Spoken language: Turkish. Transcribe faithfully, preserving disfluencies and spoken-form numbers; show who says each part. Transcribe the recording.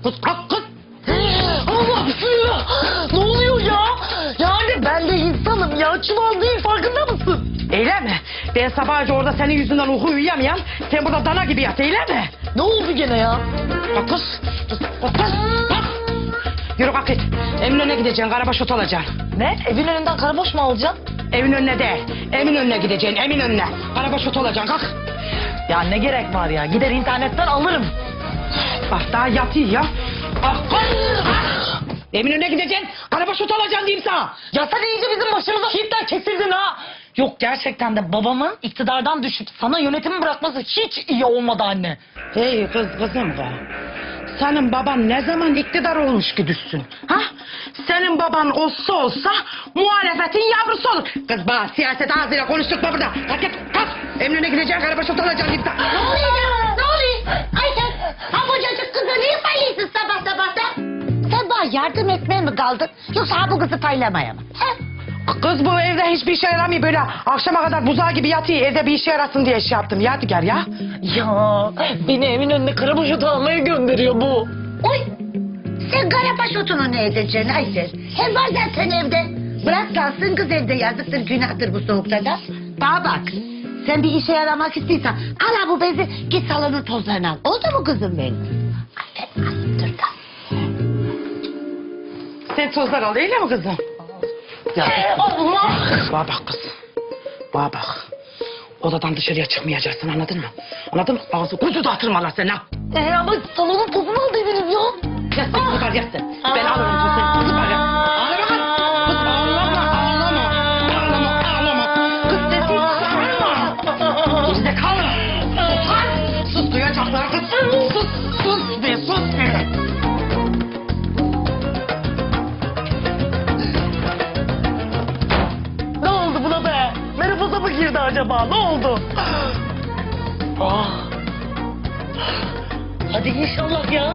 Speaker 1: Kız kalk kız. Allah bismillah. Ne oluyor ya? Yani ben de insanım ya. Çuval değil, farkında mısın?
Speaker 2: Öyle mi? Ben sabahca orada senin yüzünden uyku uyuyamayan, sen burada dana gibi yat, öyle mi?
Speaker 1: Ne oldu gene ya?
Speaker 2: Kalk kız. Kız kalk kız. Kalk. Yürü kalk git. Evin önüne gideceksin, karabaş ot alacaksın.
Speaker 1: Ne? Evin önünden karaboş mu alacaksın?
Speaker 2: Evin önüne değil, emin önüne gideceksin, emin önüne. Karabaş ot alacaksın, kalk.
Speaker 1: Ya ne gerek var ya? Gider internetten alırım.
Speaker 2: Bak daha yatıyor ya. Ah, ah. Evin önüne gideceksin, karabaş ot alacaksın diyeyim sana.
Speaker 1: Ya sen iyice bizim başımıza hitler kesildin ha. Yok gerçekten de babamın iktidardan düşüp sana yönetimi bırakması hiç iyi olmadı anne.
Speaker 2: Hey kız kızım be. Senin baban ne zaman iktidar olmuş ki düşsün? Ha? Senin baban olsa olsa muhalefetin yavrusu olur. Kız bana siyaset ağzıyla konuşturma burada. Kalk git kalk. Emrine gideceksin, karabaş ot alacaksın diyeyim sana.
Speaker 3: Ne oluyor ya? Ne oluyor? Ayşe, ha kocacık kızı niye paylaşıyorsun sabah sabah da? Sen bana yardım etmeye mi kaldın? Yoksa ha bu kızı paylamaya mı? He?
Speaker 2: Kız bu evde hiçbir işe yaramıyor, böyle akşama kadar buzağı gibi yatıyor, evde bir işe yarasın diye şey yaptım. Yadigar ya.
Speaker 1: Ya beni evin önüne karaboş otu almaya gönderiyor bu.
Speaker 3: Oy! Sen karabaş otunu ne edeceksin Aysel? Hem var zaten evde. Bırak kalsın kız evde, yazıktır günahtır bu soğukta da. Bana bak, sen bir işe yaramak istiyorsan al ha bu bezi, git salonun tozlarını al. Oldu mu kızım benim? Aferin kızım, dur da.
Speaker 2: Sen tozlar al, öyle mi kızım?
Speaker 1: Ya Allah!
Speaker 2: Bana bak kız. Bana bak. Odadan dışarıya çıkmayacaksın, anladın mı? Anladın mı? Ağzı kuzu dağıtırım Allah seni ha.
Speaker 1: Ee, ama salonun tozunu al dediniz ya.
Speaker 2: Yat sen kızı var, yat sen. Ben alırım tozunu. Kızı var ya. Ağlama kız. Kız ağlama, ağlama. Ağlama, ağlama. Kız sesini çıkarma. Gerizekalı. Sus lan. Sus, duyacaklar kız. Sus, sus be, sus be.
Speaker 1: Ne oldu buna be? Menopoza mı girdi acaba? Ne oldu? Ah. Hadi inşallah ya.